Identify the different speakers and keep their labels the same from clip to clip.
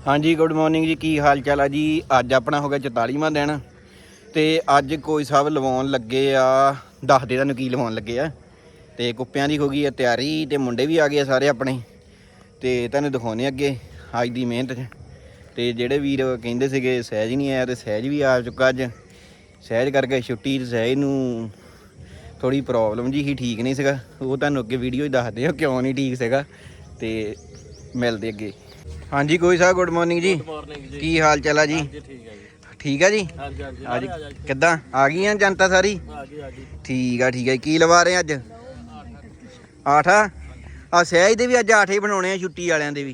Speaker 1: हाँ जी good morning जी, की हाल चाल है जी। अज अपना हो गया 44वां दिन तो अज कोई साहब लवाउन लगे आ, दस दे तुहानूं की लवाउन लगे आ। तो कुप्पियां की हो गई है तैयारी, तो मुंडे भी आ गए सारे अपने, तो तुहानूं दिखाने अगे अज की मेहनत च। तो जेडे वीर कहिंदे सीगे सहज ही नहीं आया, तो सहज भी आ चुका अज। सहज करके छुट्टी, सहज नूं थोड़ी प्रॉब्लम जी ही, ठीक नहीं सीगा। वो तुहानूं अगे वीडियो ही दसदे हो क्यों नहीं ठीक सीगा। तो मिलते अगे। हाँ जी कोई साहब गुड मॉर्निंग जी, की हाल चाल है जी? ठीक है जी। अज किदा आ गई जनता सारी? ठीक है। की लवा रहे अज? 8 आ सहज दे भी अज 8 ही बनाने छुट्टी वालियां दे भी।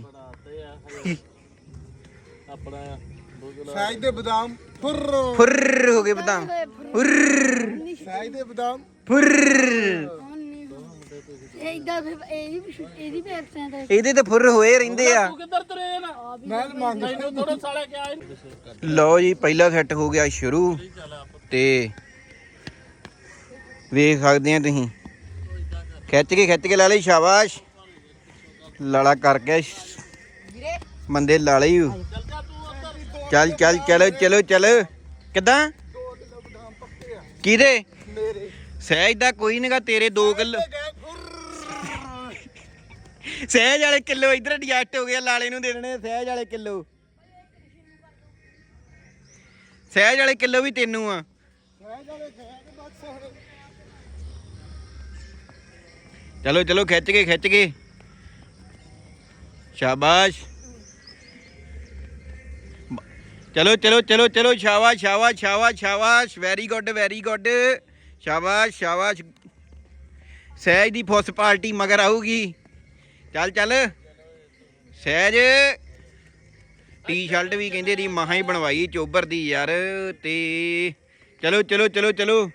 Speaker 2: सहज दे बदाम
Speaker 1: फुर्र हो गए, बदाम फुर्र,
Speaker 2: सहज दे बदाम
Speaker 1: फुर्र। ਇਹਦੇ ਤੇ ਫੁਰ ਹੋਏ ਰਹਿੰਦੇ ਆ। ਲਓ ਜੀ ਪਹਿਲਾ ਸੈੱਟ ਹੋ ਗਿਆ ਸ਼ੁਰੂ, ਤੇ ਵੇਖ ਸਕਦੇ ਆ ਤੁਸੀਂ। ਖਿੱਚ ਕੇ ਲਾ ਲਈ, ਸ਼ਾਬਾਸ਼। ਲਾਲਾ ਕਰ ਗਿਆ ਬੰਦੇ, ਲਾ ਲਈ। ਚੱਲ ਕਿੱਦਾਂ ਕਿਹਦੇ? ਸਹਿਜ ਦਾ ਕੋਈ ਨਹੀਂਗਾ, ਤੇਰੇ 2 ਕਿਲੋ सहज वाले किलो इधर एडजस्ट हो गया, लाले नूं दे देने सहज वाले किलो। सहज वाले किलो भी तेनू आ। चलो खिच के शाबाश। चलो शाबाश। वेरी गुड शाबाश। सहज दी फुस पार्टी मगर आऊगी। चल सहज टी शर्ट भी कहते री महा ही बनवाई चोबर दी यार। ते चलो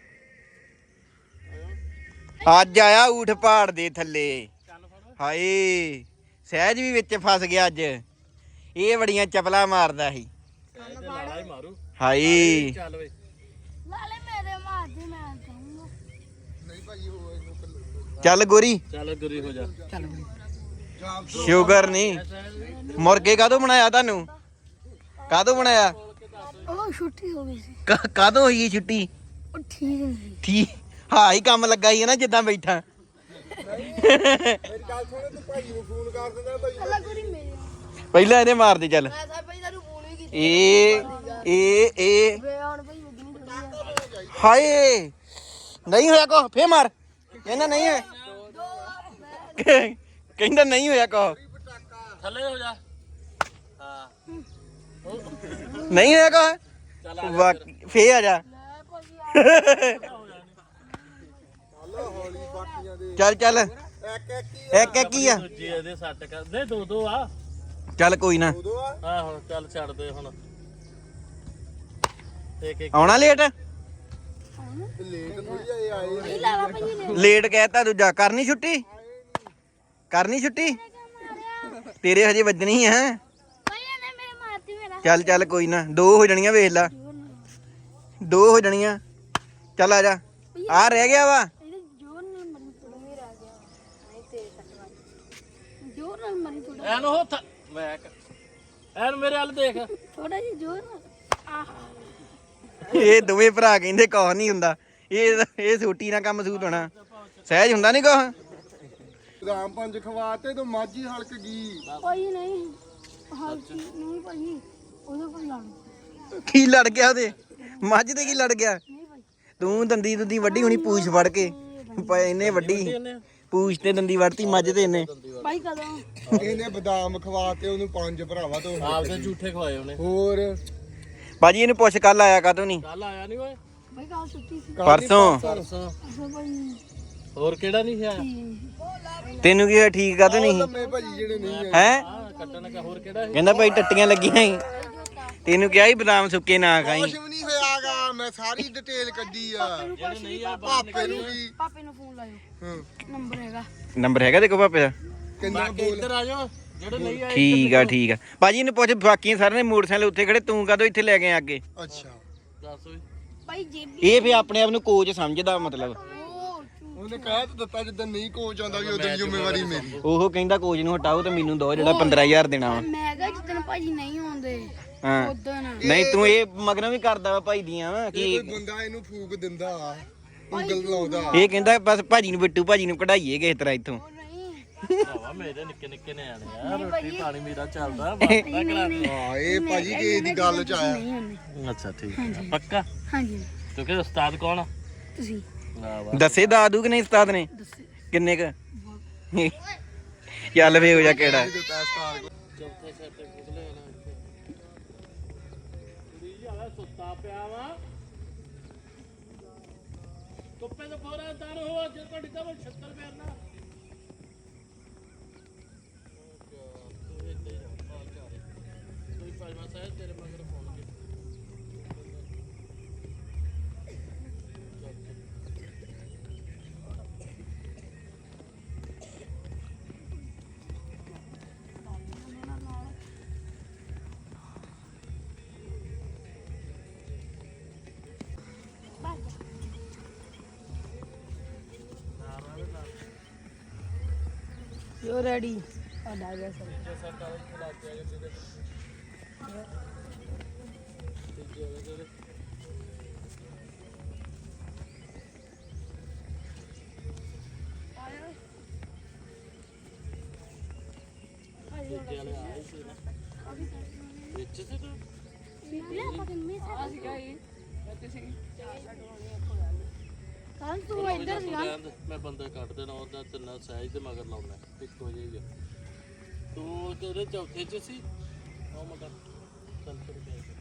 Speaker 1: अज आया ऊठ पहाड़ दे थले। हाय सहज भी विच फस गया अज, ये बड़ियां चपला मारदा ही। हाय चल गोरी हो जा। शुगर नहीं, मुर्गे कादों बनाया तानू? कादों बनाया?
Speaker 3: छुट्टी हो गई सी।
Speaker 1: कादों हुई छुट्टी? ठीक हाँ ही काम लगा ही है ना, जिद्दां बैठा। पहला इहने मार दे। चल ए हाय नहीं होया को फिर मार। कहना नहीं है, कहना नहीं होया को थले हो जा। नहीं होया को फे आ जा। चल एक ही आ। चल कोई ना, आना लेट कहता दूजा। करनी छुट्टी तेरे हजे वजनी है। चल कोई ना, 2 हो जानियां, वेख ला 2 हो जानियां। चल आ जा, आ रह गया वा। ਇਹ ਦੋਵੇਂ ਭਰਾ ਕਹਿੰਦੇ ਕੁਛ ਨਹੀਂ ਹੁੰਦਾ, ਇਹ ਛੋਟੀ ਨਾ ਕੰਮ ਸੂਤ ਹੋਣਾ। ਸਹਿਜ ਹੁੰਦਾ ਨਹੀਂ ਕੁਛ।
Speaker 2: ਬਦਾਮ 5 ਖਵਾਤੇ ਤੇ ਮਾਝੀ ਹਲਕ ਗਈ।
Speaker 3: ਕੋਈ ਨਹੀਂ ਹਲਕੀ ਨਹੀਂ ਭਾਈ, ਉਹਦੇ ਕੋਲ ਲੜ
Speaker 1: ਕੀ ਲੜ ਗਿਆ ਉਹਦੇ? ਮੱਝ ਤੇ ਕੀ ਲੜ ਗਿਆ? ਤੂੰ ਦੰਦੀ ਵੱਡੀ ਹੋਣੀ ਪੂਛ ਫੜ ਕੇ, ਇਹਨੇ ਵੱਡੀ ਪੂਛ ਤੇ ਦੰਦੀ ਵੜਤੀ ਮੱਝ ਤੇ ਇਹਨੇ।
Speaker 3: ਭਾਈ ਕਦੋਂ
Speaker 2: ਇਹਨੇ ਬਦਾਮ ਖਵਾਤੇ ਉਹਨੂੰ 5 ਭਰਾਵਾ ਤੋਂ
Speaker 4: ਆਪਦੇ ਝੂਠੇ ਖਵਾਏ ਉਹਨੇ।
Speaker 2: ਹੋਰ
Speaker 1: ਬਾਜੀ ਇਹਨੂੰ ਪੁੱਛ ਕੱਲ ਆਇਆ ਕਾਹਤੋਂ ਨਹੀਂ?
Speaker 4: ਕੱਲ ਆਇਆ ਨਹੀਂ ਓਏ,
Speaker 3: ਭਾਈ ਕੱਲ ਛੁੱਟੀ ਸੀ।
Speaker 1: ਪਰਸੋਂ
Speaker 3: ਅੱਛਾ ਭਾਈ,
Speaker 4: ਹੋਰ ਕਿਹੜਾ ਨਹੀਂ ਆਇਆ?
Speaker 1: ਤੈਨੂੰ ਕੀ ਹੋਇਆ? ਠੀਕ ਕਾਹਤੋਂ ਨਹੀਂ
Speaker 2: ਲੰਮੇ ਭਾਜੀ ਜਿਹੜੇ ਨਹੀਂ
Speaker 1: ਹੈ?
Speaker 4: ਕੱਟਣ ਕਾ ਹੋਰ ਕਿਹੜਾ?
Speaker 1: ਕਹਿੰਦਾ ਭਾਈ ਟੱਟੀਆਂ ਲੱਗੀਆਂ ਸੀ, ਤੈਨੂੰ ਕਿਹਾ ਸੀ ਬਦਾਮ ਸੁੱਕੇ ਨਾ ਖਾਈ।
Speaker 2: ਕੁਛ ਵੀ ਨਹੀਂ ਹੋਇਆਗਾ, ਮੈਂ ਸਾਰੀ ਡਿਟੇਲ ਕੱਢੀ ਆ। ਪਾਪੇ ਨੂੰ ਵੀ,
Speaker 3: ਪਾਪੇ ਨੂੰ ਫੋਨ ਲਾਇਓ,
Speaker 1: ਨੰਬਰ ਹੈਗਾ ਦੇਖੋ ਪਾਪੇ ਦਾ।
Speaker 2: ਕਿੰਨਾ
Speaker 4: ਬਾਕੀ ਇੱਧਰ ਆ ਜਾਓ ਜਿਹੜੇ ਨਹੀਂ ਆਏ।
Speaker 1: ਠੀਕ ਆ ਭਾਜੀ ਇਹਨੂੰ ਪੁੱਛ, ਬਾਕੀ ਸਾਰਿਆਂ ਨੇ ਮੋਟਰਸਾਈਕਲ ਉੱਥੇ ਖੜੇ, ਤੂੰ ਕਾਹਤੋਂ ਇੱਥੇ ਲੈ ਕੇ ਆ ਅੱਗੇ?
Speaker 2: ਅੱਛਾ
Speaker 4: ਦੱਸ ਓਏ।
Speaker 3: ਭਾਈ ਜੇਬੀ
Speaker 1: ਇਹ ਵੀ ਆਪਣੇ ਆਪ ਨੂੰ ਕੋਚ ਸਮਝਦਾ, ਮਤਲਬ
Speaker 2: ਉਹਨੇ ਕਹਿ ਤਾਂ ਦਿੱਤਾ ਜਿੱਦਾਂ ਨਹੀਂ ਕੋਚ ਆਉਂਦਾ ਵੀ ਉਦੋਂ ਜ਼ਿੰਮੇਵਾਰੀ ਮੇਰੀ।
Speaker 1: ਉਹ ਕਹਿੰਦਾ ਕੋਚ ਨੂੰ ਹਟਾਓ ਤੇ ਮੈਨੂੰ ਦੋ ਜਿਹੜਾ 15000 ਦੇਣਾ ਵਾ।
Speaker 3: ਮੈਂ ਕਿਹਾ ਜਿੱਦਣ ਭਾਜੀ ਨਹੀਂ ਆਉਂਦੇ
Speaker 1: ਹਾਂ
Speaker 3: ਉਦੋਂ
Speaker 1: ਨਹੀਂ ਤੂੰ ਇਹ ਮਗਰੋਂ ਵੀ ਕਰਦਾ ਵਾ ਭਾਈ ਦੀਆਂ ਵਾ ਕਿ
Speaker 2: ਕੋਈ ਬੰਦਾ ਇਹਨੂੰ ਫੂਕ ਦਿੰਦਾ ਉਂਗਲ ਲਾਉਂਦਾ।
Speaker 1: ਇਹ ਕਹਿੰਦਾ ਬਸ ਭਾਜੀ ਨੂੰ ਬਿੱਟੂ ਭਾਜੀ ਨੂੰ ਕਢਾਈਏ ਕਿਸੇ ਤਰ੍ਹਾਂ ਇੱਥੋਂ।
Speaker 3: ਨਹੀਂ
Speaker 4: ਭਰਾਵਾ ਮੇਰੇ ਨਿੱਕੇ ਨਿੱਕੇ ਨਿਆਣੇ ਆ ਰੋਟੀ ਪਾਣੀ ਮੇਰਾ ਚੱਲਦਾ ਬਾਤਾਂ ਕਰਾ ਦੇ।
Speaker 2: ਹਾਂ ਇਹ ਭਾਜੀ ਕਿਸੇ ਦੀ ਗੱਲ ਚ ਆਇਆ।
Speaker 3: ਨਹੀਂ ਆਉਂਦੇ
Speaker 4: ਅੱਛਾ ਠੀਕ ਆ ਪੱਕਾ
Speaker 3: ਹਾਂਜੀ
Speaker 4: ਤੂੰ ਕਿ ਉਸਤਾਦ ਕੌਣ ਆ
Speaker 3: ਤੁਸੀਂ
Speaker 4: ਵਾਹ ਵਾਹ
Speaker 1: ਦੱਸੇ ਦਾਦੂ ਕਿ ਨਹੀਂ ਉਸਤਾਦ ਨੇ
Speaker 3: ਦੱਸੋ
Speaker 1: ਕਿੰਨੇ ਕ ਚੱਲ ਵੇ ਹੋ ਜਾ ਕਿਹੜਾ
Speaker 4: ਚੌਥੇ ਸਿਰ ਤੇ ਪੁੱਛਲੇ ਨਾ ਕੁੜੀ ਜੀ ਆਲਾ ਸੁੱਤਾ ਪਿਆ ਵਾ ਕੁੱਪੇ ਤੋਂ ਫੋਰਾ ਦਰ ਹੋ ਜੇ ਤੁਹਾਡੀ ਤਾਂ 76 ਪੈਰ ਨਾ ਕੋਈ ਪਾਜਮਾ ਸਾਹਿਬ ਤੇਰੇ ਮਗਰ ਫੋਨ ਕੇ
Speaker 3: ਯੂ ਰੈਡੀ ਆ ਡਾਇਗਾ ਸਰ
Speaker 4: ਵਿੱਚ ਸੀ ਤੂੰ
Speaker 3: ਕੱਲ ਤੂੰ ਇੱਧਰ ਸੀ ਨਾ
Speaker 4: ਮੈਂ ਬੰਦੇ ਕੱਢ ਦੇਣਾ ਉਹਦਾ ਤਿੰਨਾ ਸਾਈਜ਼ ਦੇ ਮਗਰ ਲਾਉਣਾ ਇੱਕੋ ਜਿਹੀ ਤੂੰ ਤੇਰੇ ਚੌਥੇ ਚ ਸੀ ਉਹ ਮਗਰ ਚੱਲ ਫਿਰ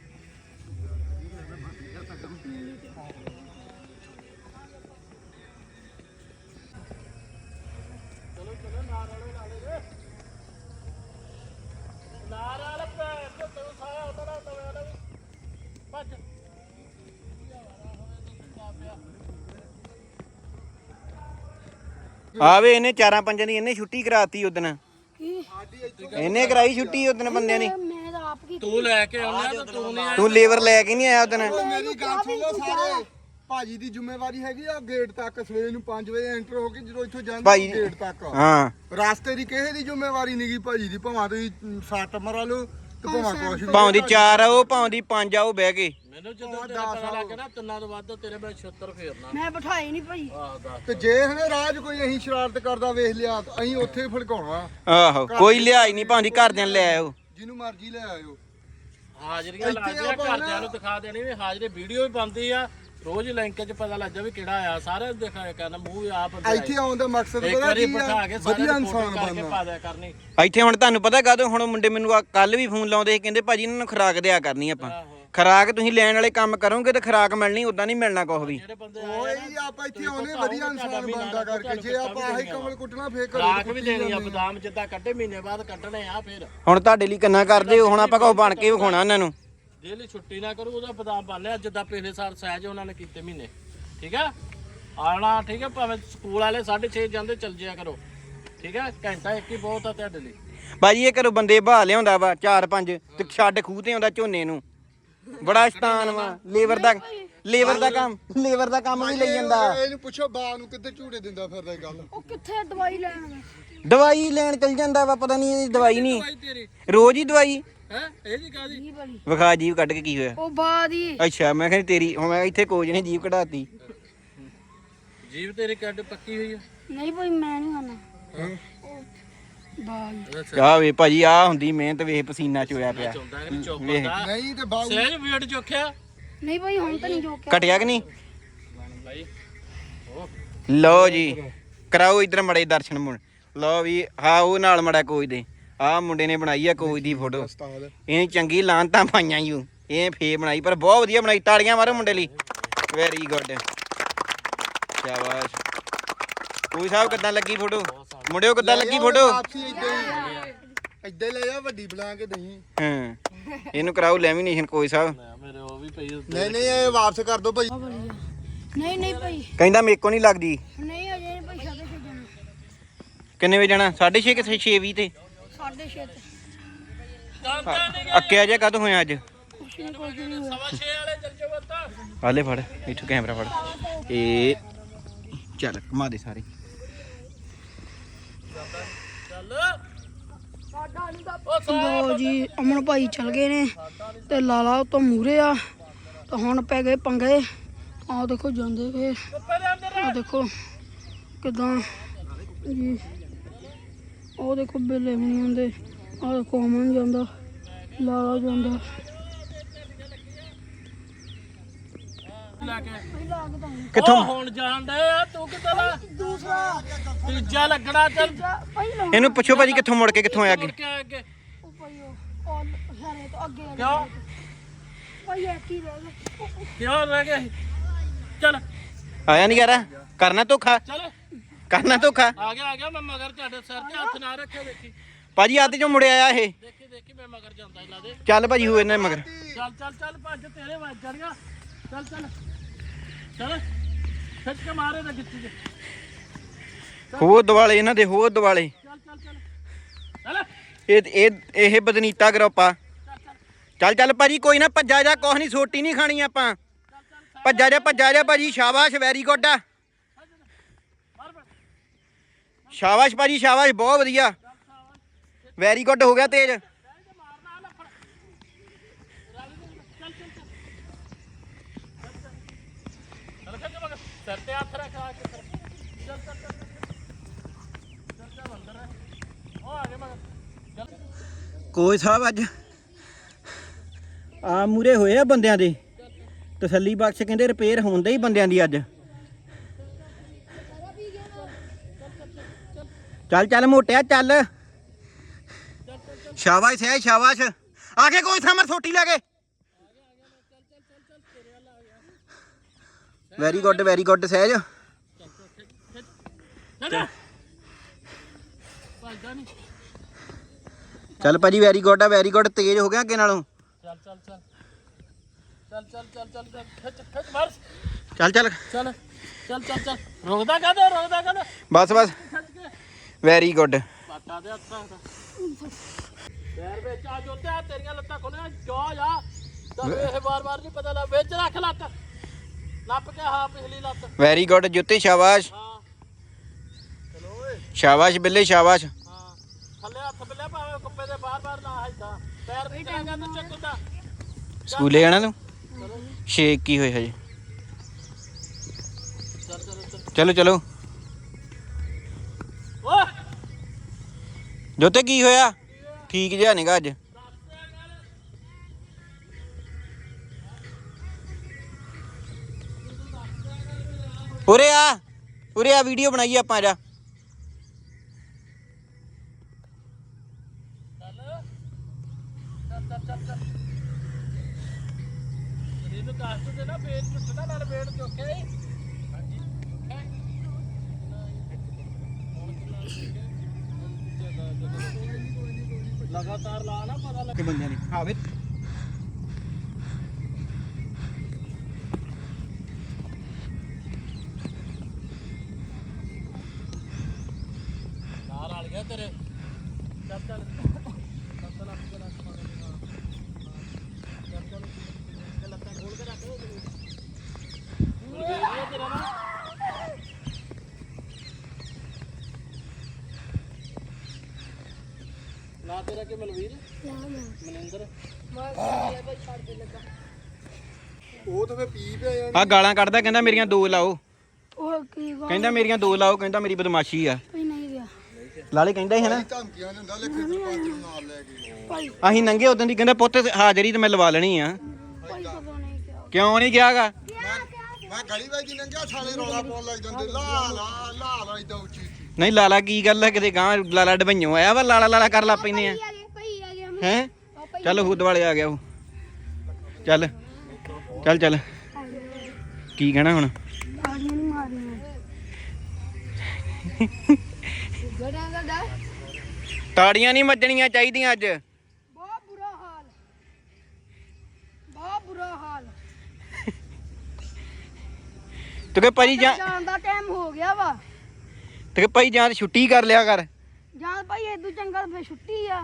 Speaker 4: ਚਲੋ ਚਲੋ ਨਾਰ ਵਾਲੇ ਲਾ ਲੈ ਨਾਰ ਵਾਲਾ ਪੈਰ ਤੇ ਤੂੰ ਸਾਇਆ ਉਹਦਾ ਨਾ ਤਵੇ ਵਾਲਾ ਵੀ ਭੱਜ
Speaker 1: ਆਵੇ ਇਹਨੇ 4-5 ਦੀ ਇਹਨੇ ਛੁੱਟੀ ਕਰਾਤੀ ਉਦਣ
Speaker 3: ਕੀ
Speaker 1: ਇਹਨੇ ਕਰਾਈ ਛੁੱਟੀ ਉਦਣ ਬੰਦਿਆਂ ਨੇ
Speaker 3: ਮੈਂ ਤਾਂ ਆਪ ਕੀ
Speaker 4: ਤੂੰ ਲੈ ਕੇ ਆਉਣਾ ਤੇ ਤੂੰ ਨਹੀਂ
Speaker 1: ਤੂੰ ਲੇਬਰ ਲੈ ਕੇ ਨਹੀਂ ਆਇਆ ਉਦਣ
Speaker 2: ਮੇਰੀ ਗੱਲ ਸੁਣ ਲਓ ਸਾਰੇ ਭਾਜੀ ਦੀ ਜ਼ਿੰਮੇਵਾਰੀ ਹੈਗੀ ਆ ਗੇਟ ਤੱਕ ਸਵੇਰ ਨੂੰ 5 ਵਜੇ ਐਂਟਰ ਹੋ ਕੇ ਜਦੋਂ ਇੱਥੋਂ ਜਾਂਦੇ
Speaker 1: ਭਾਈ
Speaker 2: ਗੇਟ ਤੱਕ
Speaker 1: ਹਾਂ
Speaker 2: ਰਾਸਤੇ ਦੀ ਕਿਸੇ ਦੀ ਜ਼ਿੰਮੇਵਾਰੀ ਨਹੀਂਗੀ ਭਾਜੀ ਦੀ ਭਾਵੇਂ ਤੁਸੀਂ ਸੱਟ ਮਰਾ ਲਓ ਤੇ ਭਾਵੇਂ ਕੁਛ ਵੀ
Speaker 1: ਭਾਵੇਂ ਦੀ 4 ਆ ਉਹ ਭਾਵੇਂ ਦੀ 5 ਆ ਉਹ ਬਹਿ ਕੇ
Speaker 4: ਮੈਨੂੰ ਜਦੋਂ ਤੇਰਾ ਪਤਾ ਲੱਗ ਗਿਆ ਨਾ ਤਿੰਨਾਂ ਤੋਂ ਵੱਧ ਤੇਰੇ ਮੈਂ 76 ਫੇਰਨਾ
Speaker 3: ਮੈਂ ਬਿਠਾਈ ਨਹੀਂ ਭਾਜੀ
Speaker 4: ਆਹ ਦੱਸ
Speaker 2: ਤੇ ਜੇ ਹਨੇ ਰਾਜ ਕੋਈ ਅਸੀਂ ਸ਼ਰਾਰਤ ਕਰਦਾ ਵੇਖ ਲਿਆ ਤਾਂ ਅਸੀਂ ਉੱਥੇ ਹੀ ਫੜਕਾਉਣਾ
Speaker 1: ਆਹੋ ਕੋਈ ਲਿਆਈ ਨਹੀਂ ਭਾਵੇਂ ਦੀ ਘਰਦਿਆਂ ਨੂੰ ਲੈ ਆਇਓ
Speaker 2: ਜਿਹਨੂੰ ਮਰਜ਼ੀ ਲੈ ਆਇਓ
Speaker 4: ਹਾਜ਼ਰੀਆਂ
Speaker 2: ਇੱਥੇ
Speaker 4: ਲੱਗਦੀਆਂ
Speaker 2: ਆਪਾਂ
Speaker 4: ਘਰਦਿਆਂ ਨੂੰ ਦਿਖਾ ਦੇਣੀ ਵੀ ਹਾਜ਼ਰੀ ਵੀਡੀਓ ਵੀ ਬਣਦੀ ਆ ਰੋਜ਼ ਲਿੰਕ 'ਚ ਪਤਾ ਲੱਗ ਜਾ ਵੀ ਕਿਹੜਾ ਆਇਆ ਸਾਰੇ ਦਿਖਾਇਆ ਕਰਨਾ ਮੂੰਹ ਆਪ
Speaker 2: ਇੱਥੇ ਆਉਣ ਦਾ ਮਕਸਦ
Speaker 4: ਇੱਕ
Speaker 2: ਪਤਾ
Speaker 4: ਵਾਰੀ
Speaker 2: ਕੀ
Speaker 4: ਬਿਠਾ
Speaker 2: ਆ
Speaker 4: ਕੇ ਸਾਰੇ
Speaker 2: ਵਧੀਆ
Speaker 4: ਫੋਟੋ
Speaker 2: ਇਨਸਾਨ
Speaker 4: ਕਰਕੇ
Speaker 2: ਬਣਨਾ
Speaker 4: ਪਾ ਦਿਆ ਕਰਨੀ
Speaker 1: ਇੱਥੇ ਹੁਣ ਤੁਹਾਨੂੰ ਪਤਾ ਕਾਹਦੋਂ ਹੁਣ ਮੁੰਡੇ ਮੈਨੂੰ ਕੱਲ ਵੀ ਫੋਨ ਲਾਉਂਦੇ ਸੀ ਕਹਿੰਦੇ ਭਾਜੀ ਇਹਨਾਂ ਨੂੰ ਖੁਰਾਕ ਦਿਆ ਕਰਨੀ ਆਪਾਂ
Speaker 4: ਆਹੋ
Speaker 1: ਖੁਰਾਕ ਤੁਸੀਂ ਲੈਣ ਵਾਲੇ ਕੰਮ ਕਰੋਗੇ ਤੇ ਖੁਰਾਕ ਮਿਲਣੀ ਉਦਾਂ ਨਹੀਂ ਮਿਲਣਾ ਕੁਛ ਵੀ
Speaker 4: ਜਿਹੜੇ ਬੰਦੇ
Speaker 2: ਓਏ ਜੀ ਆਪਾਂ ਇੱਥੇ ਆਉਨੇ ਵਧੀਆ ਇਨਸਾਨ ਬਣਦਾ ਕਰਕੇ ਜੇ ਆਪਾਂ ਆਹੀ ਕਮਲ ਕੁੱਟਣਾ ਫੇਰ
Speaker 4: ਖਰਾਕ ਵੀ ਦੇਣੀ ਆ ਬਦਾਮ ਜਿੱਦਾਂ ਕੱਢੇ ਮਹੀਨੇ ਬਾਅਦ ਕੱਢਣੇ ਆ ਫਿਰ
Speaker 1: ਹੁਣ ਤੁਹਾਡੇ ਲਈ ਕਿੰਨਾ ਕਰਦੇ ਹੋ ਹੁਣ ਆਪਾਂ ਕੁਛ ਬਣ ਕੇ ਵਿਖਾਉਣਾ ਉਹਨਾਂ ਨੂੰ
Speaker 4: ਜੇ ਲਈ ਛੁੱਟੀ ਨਾ ਕਰੂ ਉਹਦਾ ਬਦਾਮ ਬਣ ਲਿਆ ਜਿੱਦਾਂ ਪਿਛਲੇ ਸਾਲ ਸਹਿਜ ਉਹਨਾਂ ਨੇ ਕੀਤੇ ਮਹੀਨੇ ਠੀਕ ਆ ਆਣਾ ਠੀਕ ਆ ਭਾਵੇਂ ਸਕੂਲ ਵਾਲੇ 6:30 ਜਾਂਦੇ ਚੱਲ ਜਿਆ ਕਰੋ ਠੀਕ ਆ ਘੰਟਾ ਇੱਕ ਹੀ ਬਹੁਤ ਆ ਤੁਹਾਡੇ ਲਈ
Speaker 1: ਬਾਜੀ ਇਹ ਘਰੋਂ ਬੰਦੇ ਬਹਾ ਲਿਆਉਂਦਾ ਵਾ 4-5 ਤੇ ਛੱਡ ਖੂਹ ਤੇ ਆਉਂਦਾ ਝੋਨੇ ਨੂੰ ਬੜਾ ਸ਼ਤਾਨ ਵਾ ਲੇਬਰ ਦਾ ਕੰਮ ਵੀ ਲਈ ਜਾਂਦਾ
Speaker 2: ਇਹਨੂੰ ਪੁੱਛੋ ਬਾ ਨੂੰ ਕਿੱਥੇ ਝੂੜੇ ਦਿੰਦਾ ਫਿਰਦਾ ਇਹ ਗੱਲ
Speaker 3: ਉਹ ਕਿੱਥੇ ਦਵਾਈ ਲੈਣ ਗਏ
Speaker 1: ਦਵਾਈ ਲੈਣ ਚਲ ਜਾਂਦਾ ਵਾ ਪਤਾ ਨਹੀਂ ਇਹਦੀ ਦਵਾਈ ਨਹੀਂ
Speaker 4: ਤੇਰੀ
Speaker 1: ਰੋਜ਼ ਹੀ ਦਵਾਈ
Speaker 4: ਹੈ ਇਹ ਜੀ ਕਾਦੀ
Speaker 3: ਕੀ ਬਣੀ
Speaker 1: ਵਿਖਾ ਜੀਵ ਕੱਢ ਕੇ ਕੀ ਹੋਇਆ
Speaker 3: ਉਹ ਬਾਦ ਹੀ
Speaker 1: ਅੱਛਾ ਮੈਂ ਕਹਿੰਦੀ ਤੇਰੀ ਹੁਣ ਮੈਂ ਇੱਥੇ ਕੋਚ ਨੇ ਜੀਵ ਕਢਾਤੀ
Speaker 4: ਜੀਵ ਤੇਰੀ ਕੱਢ ਪੱਕੀ ਹੋਈ ਆ
Speaker 3: ਨਹੀਂ ਭਾਈ ਮੈਂ ਨਹੀਂ ਖਾਣਾ ਬਾਦ
Speaker 1: ਆ ਵੇ ਭਾਜੀ ਆ ਹੁੰਦੀ ਮਿਹਨਤ ਵੇਖ ਪਸੀਨਾ ਚੋਇਆ ਪਿਆ
Speaker 4: ਚੌਂਦਾ ਕਿ ਨਹੀਂ ਚੌਪਦਾ
Speaker 2: ਨਹੀਂ ਤੇ ਬਾਊ
Speaker 4: ਸਹਿਜ ਵੇਟ ਚੋਖਿਆ
Speaker 3: ਨਹੀਂ ਭਾਈ ਹੁਣ ਤਾਂ ਨਹੀਂ ਜੋਕਿਆ
Speaker 1: ਘਟਿਆ ਕਿ ਨਹੀਂ
Speaker 4: ਭਾਈ ਉਹ
Speaker 1: ਲਓ ਜੀ ਕਰਾਓ ਇਧਰ ਮੜੇ ਦਰਸ਼ਨ ਮੁੜ ਲਓ ਵੀ ਹਾਂ ਉਹ ਨਾਲ ਮੜਾ ਕੋਚ ਦੇ ਆ ਮੁੰਡੇ ਨੇ ਬਣਾਈ ਆ ਕੋਚ ਦੀ ਫੋਟੋ
Speaker 2: ਉਸਤਾਦ
Speaker 1: ਇਹ ਚੰਗੀ ਲਾਂਤਾਂ ਪਾਈਆਂ ਯੂ ਇਹ ਫੇ ਬਣਾਈ ਪਰ ਬਹੁਤ ਵਧੀਆ ਬਣਾਈ ਤਾੜੀਆਂ ਮਾਰੋ ਮੁੰਡੇ ਲਈ ਵੈਰੀ ਗੁੱਡ ਸ਼ਾਬਾਸ਼ ਕੋਈ ਸਾਹਿਬ ਕਿੱਦਾਂ ਲੱਗੀ ਫੋਟੋ ਮੁੰਡਿਓ ਕਿੱਦਾਂ ਲੱਗੀ ਫੋਟੋ
Speaker 2: ਇੱਦਾਂ ਹੀ ਲੈ ਜਾ ਵੱਡੀ ਬਣਾ ਕੇ ਦਹੀਂ
Speaker 1: ਹਾਂ ਇਹਨੂੰ ਕਰਾਓ ਲੈਮੀਨੇਸ਼ਨ ਕੋਈ ਸਾਹਿਬ
Speaker 4: ਮੇਰੇ ਉਹ ਵੀ ਪਈ
Speaker 2: ਨਹੀਂ ਨਹੀਂ ਇਹ ਵਾਪਸ ਕਰ ਦੋ ਭਾਈ
Speaker 3: ਨਹੀਂ ਨਹੀਂ ਭਾਈ
Speaker 1: ਕਹਿੰਦਾ ਮੇਰੇ ਕੋ ਨਹੀਂ ਲੱਗਦੀ
Speaker 3: ਨਹੀਂ ਅਜੇ ਨਹੀਂ ਭਾਈ ਸਾਡੇ ਛੇ ਜਾਣਾ
Speaker 1: ਕਿੰਨੇ ਵਜੇ ਜਾਣਾ 6:30 ਕਿ 6:20 ਤੇ
Speaker 3: 6:30
Speaker 1: ਅੱਕਿਆ ਜਿਹਾ ਕਦ ਹੋਇਆ ਅੱਜ
Speaker 3: ਕੁਛ ਨਹੀਂ ਕੁਝ ਨਹੀਂ ਹੋਇਆ
Speaker 4: 6 ਵਾਲੇ ਚੱਲ ਜਾਓ ਬੱਤਾ
Speaker 1: ਆਲੇ ਫੜ ਇੱਥੋਂ ਕੈਮਰਾ ਫੜ ਇਹ ਚੱਲ ਘੁਮਾ ਦੇ ਸਾਰੇ।
Speaker 4: ਚੱਲ
Speaker 3: ਲੋ ਜੀ ਅਮਨ ਭਾਈ ਚਲ ਗਏ ਨੇ ਤੇ ਲਾਲਾ ਉਹ ਤੋਂ ਮੂਰੇ ਆ ਤਾਂ ਹੁਣ ਪੈ ਗਏ ਪੰਗੇ। ਆਹ ਦੇਖੋ ਜਾਂਦੇ ਵੇ, ਆਹ ਦੇਖੋ ਕਿਦਾਂ ਜੀ, ਉਹ ਦੇਖੋ ਬੇਲੇ ਵੀ ਨਹੀਂ ਆਉਂਦੇ। ਆਹ ਦੇਖੋ ਅਮਨ ਜਾਂਦਾ, ਲਾਲਾ ਜਾਂਦਾ।
Speaker 4: ਲੈ ਕੇ
Speaker 1: ਕਿੱਥੋਂ
Speaker 4: ਉਹ ਹੁਣ ਜਾਣ ਡਏ ਆ, ਤੂੰ ਕਿੱਦਾਂ ਦਾ
Speaker 3: ਦੂਸਰਾ
Speaker 4: ਤੀਜਾ ਲੱਗਣਾ ਚੱਲ
Speaker 3: ਪਹਿਲਾਂ
Speaker 1: ਇਹਨੂੰ ਪੁੱਛੋ ਭਾਜੀ ਕਿੱਥੋਂ ਮੁੜ ਕੇ ਕਿੱਥੋਂ ਆਇਆ ਅੱਗੇ।
Speaker 4: ਮੁੜ ਕੇ ਆ ਅੱਗੇ
Speaker 3: ਉਹ ਭਾਈ ਉਹ ਹਰੇ ਤੋਂ ਅੱਗੇ ਆ
Speaker 4: ਕਿਉਂ
Speaker 3: ਭਾਈ ਇੱਕ ਹੀ ਰਹਿ ਗਿਆ।
Speaker 4: ਕਿਉਂ ਰਹਿ ਗਏ ਚੱਲ
Speaker 1: ਆਇਆ ਨਹੀਂ ਯਾਰ, ਕਰਨਾ ਧੋਖਾ,
Speaker 4: ਚੱਲ
Speaker 1: ਕਰਨਾ ਧੋਖਾ।
Speaker 4: ਆ ਗਿਆ ਮੈਂ ਮਗਰ ਤੁਹਾਡੇ ਸਿਰ ਤੇ ਹੱਥ ਨਾ ਰੱਖਿਓ। ਦੇਖੀ
Speaker 1: ਭਾਜੀ ਅੱਧ ਚੋਂ ਮੁੜਿਆ ਆਇਆ ਇਹ।
Speaker 4: ਦੇਖੀ ਮੈਂ ਮਗਰ ਜਾਂਦਾ ਇਹਨਾਂ ਦੇ।
Speaker 1: ਚੱਲ ਭਾਜੀ ਹੋ ਇਹਨਾਂ ਮਗਰ।
Speaker 4: ਚੱਲ ਭੱਜ, ਤੇਰੇ ਵੱਜ ਜਾਣੀਆਂ। ਚੱਲ ਖਿੱਚ ਕੇ ਮਾਰੇ ਨਾ ਗਿੱਤੀ ਚ।
Speaker 1: ਹੋਰ ਦਿਵਾਲੇ ਇਹਨਾਂ ਦੇ, ਹੋਰ ਦਿਵਾਲੇ।
Speaker 4: ਚੱਲ
Speaker 1: ਇਹ ਬਦਨੀਤਾ ਗਰੁੱਪ ਆ। ਚੱਲ ਭਾਜੀ ਕੋਈ ਨਾ, ਭੱਜਾ ਜਾ, ਕੁਛ ਨਹੀਂ, ਸੋਟੀ ਨਹੀਂ ਖਾਣੀ ਆਪਾਂ। ਭੱਜਾ ਜਾ ਭਾਜੀ, ਸ਼ਾਬਾਸ਼, ਵੈਰੀ ਗੁੱਡ ਆ। ਸ਼ਾਬਾਸ਼ ਭਾਜੀ, ਸ਼ਾਬਾਸ਼, ਬਹੁਤ ਵਧੀਆ, ਵੈਰੀ ਗੁੱਡ, ਹੋ ਗਿਆ ਤੇਜ਼।
Speaker 4: ਸਿਰ ਤੇ ਹੱਥ ਰੱਖ ਆ ਕੇ। ਚੱਲ ਅੰਦਰ ਉਹ ਆ ਗਏ ਮਗਰ।
Speaker 1: ਕੋਈ ਸਾਹਿਬ ਅੱਜ ਆ ਮੂਰੇ ਹੋਏ ਆ ਬੰਦਿਆਂ ਦੇ, ਤਸੱਲੀ ਬਖਸ਼ ਕਹਿੰਦੇ ਰਿਪੇਅਰ ਹੁੰਦੇ ਹੀ ਬੰਦਿਆਂ ਦੀ ਅੱਜ। ਚੱਲ ਮੋਟਿਆ ਚੱਲ। ਸ਼ਾਬਾਸ਼ ਸਹਿਜ, ਸ਼ਾਬਾਸ਼। ਆ ਕੇ ਕੋਈ ਸਮਰ ਸੋਟੀ ਲੈ ਕੇ। Very good Sahaj. ਚੱਲ ਭਾਜੀ ਵੈਰੀ ਗੁੱਡ ਆ, ਵੈਰੀ ਗੁੱਡ, ਤੇਜ਼ ਹੋ ਗਿਆ ਅੱਗੇ ਨਾਲੋਂ।
Speaker 4: ਚੱਲ ਖਿੱਚ ਮਾਰ।
Speaker 1: ਚੱਲ
Speaker 4: ਰੁਕਦਾ ਕਾਹਦਾ
Speaker 1: ਬਸ ਵੈਰੀ ਗੁੱਡ।
Speaker 4: ਪਾਟਾ ਦੇ ਹੱਥਾਂ ਦਾ ਪੈਰ ਵਿੱਚ ਆ ਜੋਤੇ ਆ, ਤੇਰੀਆਂ ਲੱਤਾਂ ਖੋਲੀਆਂ ਜਾ ਜਾ। ਤਾਂ ਇਹ ਵਾਰ ਨਹੀਂ ਪਤਾ ਲੱਗ, ਵਿੱਚ ਰੱਖ ਲੱਤ, ਨੱਪ ਕੇ। ਹਾਂ ਪਿਛਲੀ ਲੱਤ।
Speaker 1: ਵੈਰੀ ਗੁੱਡ ਜੁੱਤੀ, ਸ਼ਾਬਾਸ਼
Speaker 4: ਹਾਂ ਚਲੋ ਓਏ।
Speaker 1: ਸ਼ਾਬਾਸ਼ ਬਿੱਲੇ, ਸ਼ਾਬਾਸ਼।
Speaker 4: ਹਾਂ ਥੱਲੇ ਹੱਥ ਬਿੱਲੇ, ਭਾਵੇਂ ਕੁੱਪੇ ਦੇ ਬਾਰ ਨਾ ਹਿੱਲਦਾ। ਪੈਰ ਨਹੀਂ ਕਰਾਂਗਾ ਤੂੰ ਚੱਕਦਾ।
Speaker 1: ਸਕੂਲੇ ਜਾਣਾ ਤੂੰ? ਸ਼ੇਕ ਕੀ ਹੋਇਆ ਹਜੇ? ਚਲੋ
Speaker 4: ਓਏ
Speaker 1: ਜੋਤੇ ਕੀ ਹੋਇਆ? ਠੀਕ ਜਿਹਾ ਨੀਗਾ ਅੱਜ। ਉਰੇ ਆ ਵੀਡੀਓ ਬਣਾਈਏ ਆਪਾਂ। ਜਾ
Speaker 4: ਇਹਨੂੰ ਕਾਸਟ ਦੇ ਨਾ ਵੇਟ ਟੁੱਟਦਾ, ਨਾਲ ਵੇਟ ਚੁੱਕੇ। ਲਗਾਤਾਰ ਲਾ ਨਾ, ਪਤਾ ਲੱਗ
Speaker 1: ਬੰਦਿਆਂ ਨੇ ਆਵੇ।
Speaker 4: ਨਾਲ ਆ ਗਿਆ ਤੇਰੇ। ਚੱਲ ਲੱਤਾਂ ਖੋਲ ਕੇ ਰੱਖ। ਤੇਰਾ ਨਾ ਨਾ ਤੇਰਾ ਕਿ ਮਲਵੀਰ ਮਨਿੰਦਰ
Speaker 2: ਉਹ ਤਾਂ ਫੇ ਪੀ ਪਿਆ
Speaker 1: ਆ ਗਾਲਾਂ ਕੱਢਦਾ, ਕਹਿੰਦਾ ਮੇਰੀਆਂ 2 ਲਾਓ।
Speaker 3: ਉਹ ਕੀ ਗੱਲ
Speaker 1: ਕਹਿੰਦਾ ਮੇਰੀਆਂ 2 ਲਾਓ, ਕਹਿੰਦਾ ਮੇਰੀ ਬਦਮਾਸ਼ੀ ਆ।
Speaker 3: ਭਾਈ ਨਹੀਂ ਗਿਆ
Speaker 1: ਲਾਲੇ ਕਹਿੰਦਾ ਸੀ ਨਾ,
Speaker 2: ਧਮਕੀਆਂ ਦਿੰਦਾ ਲਿਖੇ ਸਰਪੰਚ ਨੂੰ ਨਾਲ ਲੈ ਕੇ।
Speaker 3: ਭਾਈ
Speaker 1: ਅਸੀਂ ਨੰਗੇ ਉਦੋਂ ਦੀ ਕਹਿੰਦਾ ਪੁੱਤ ਹਾਜ਼ਰੀ ਤੇ ਮੈਂ ਲਵਾ ਲੈਣੀ ਆ।
Speaker 3: ਭਾਈ ਕਦੋਂ ਨਹੀਂ ਗਿਆ।
Speaker 1: ਕਿਉਂ ਨਹੀਂ ਗਿਆਗਾ?
Speaker 2: ਮੈਂ ਗਲੀ ਵਿੱਚ ਨੰਗਿਆ, ਸਾਲੇ ਰੌਲਾ ਪਾਉਣ ਲੱਗ ਜਾਂਦੇ, ਲਾ ਇਦਾਂ ਉੱਚੀ।
Speaker 1: ਨਹੀਂ ਲਾਲਾ ਕੀ ਗੱਲ ਹੈ, ਕਿਤੇ ਗਾਂ ਲਾਲਾ ਡਬਈਓ ਆਇਆ ਵਾ, ਲਾਲਾ ਕਰ ਲਾ ਪੈਨੇ ਆ
Speaker 3: ਭਾਈ ਆ ਗਿਆ
Speaker 1: ਹੈ। ਚੱਲ ਹੁਦ ਵਾਲੇ ਆ ਗਿਆ ਉਹ। ਚੱਲ ਕੀ ਕਹਿਣਾ ਹੁਣ?
Speaker 3: ਤਾੜੀਆਂ ਨਹੀਂ ਮਾਰਨੀਆਂ।
Speaker 1: ਤਾੜੀਆਂ ਨਹੀਂ ਵੱਜਣੀਆਂ ਚਾਹੀਦੀਆਂ ਅੱਜ।
Speaker 3: ਬਹੁਤ ਬੁਰਾ ਹਾਲ।
Speaker 1: ਤੂੰ ਕਿ ਭਾਈ
Speaker 3: ਜਾਣ ਦਾ ਟਾਈਮ ਹੋ ਗਿਆ ਵਾ।
Speaker 1: ਤੇ ਭਾਈ ਜਾਂ ਤਾਂ ਛੁੱਟੀ ਕਰ ਲਿਆ ਕਰ।
Speaker 3: ਜਾਂ ਭਾਈ ਇਦੋਂ ਚੰਗਾ ਫੇ ਛੁੱਟੀ ਆ।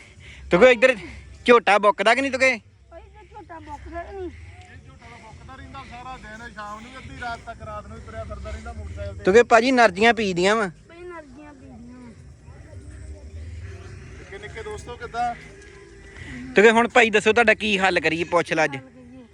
Speaker 1: ਤੂੰ ਕਿ ਇੱਧਰ ਝੋਟਾ ਬੁੱਕਦਾ ਕਿ ਨਹੀਂ? ਤੂੰ ਕਿ
Speaker 3: ਭਾਈ ਤੇ ਝੋਟਾ ਬੁੱਕਦਾ ਨਹੀਂ।
Speaker 2: ਸਾਰਾ ਦਿਨ ਸ਼ਾਮ ਨੂੰ ਅੱਧੀ ਰਾਤ ਤੱਕ ਰਾਤ ਨੂੰ ਤੁਰਿਆ ਫਿਰਦਾ ਰਹਿੰਦਾ ਮੋਟਰਸਾਈਕਲ
Speaker 1: ਤੂੰ ਕਿ ਭਾਜੀ ਨਰਜੀਆਂ ਪੀਦੀਆਂ ਵਾ
Speaker 3: ਬਈ ਨਰਜੀਆਂ ਪੀਦੀਆਂ
Speaker 2: ਤੇ ਨਿੱਕੇ ਦੋਸਤੋ ਕਿੱਦਾਂ
Speaker 1: ਤੂੰ ਕਿ ਹੁਣ ਭਾਈ ਦੱਸੋ ਤੁਹਾਡਾ ਕੀ ਹੱਲ ਕਰੀਏ ਪੁੱਛ ਲੈ ਅੱਜ